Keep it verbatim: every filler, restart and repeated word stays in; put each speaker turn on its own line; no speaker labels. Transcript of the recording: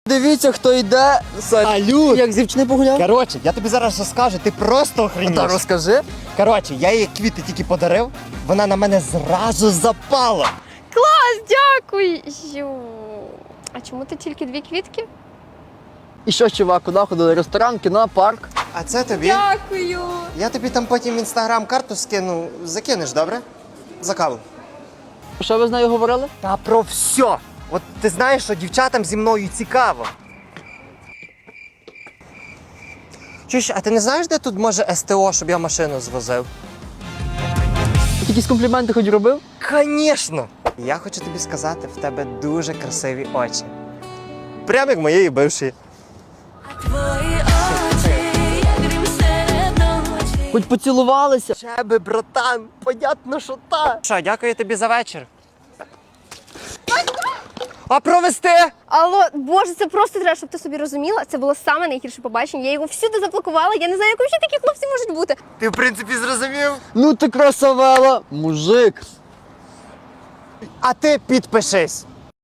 Дивіться, хто йде.
Салют!
Як з дівчиною погуляв?
Коротше, я тобі зараз розкажу, ти просто охренєш.
Та розкажи.
Коротше, я їй квіти тільки подарив, вона на мене зразу запала.
Клас, дякую. А чому ти тільки дві квітки?
І що, чувак, куди ходили? Ресторан, кіно, парк.
А це тобі?
Дякую.
Я тобі там потім інстаграм-карту скину, закинеш, добре? За каву.
Що ви з нею говорили?
Та про все. От ти знаєш, що дівчатам зі мною цікаво. Чуєш, а ти не знаєш, де тут може ес те о, щоб я машину звозив?
Якісь компліменти хоч робив?
Звісно! Я хочу тобі сказати, в тебе дуже красиві очі. Прямо як моєї бившої.
Твої очі, як грім серед ночі.
Хоч поцілувалися.
Чеби, братан, понятно, що та. Що, дякую тобі за вечір. А провести?
Алло, боже, це просто треба, щоб ти собі розуміла. Це було саме найгірше побачення. Я його всюди заблокувала. Я не знаю, як взагалі такі хлопці можуть бути.
Ти, в принципі, зрозумів.
Ну ти красавела, мужик.
А ти підпишись.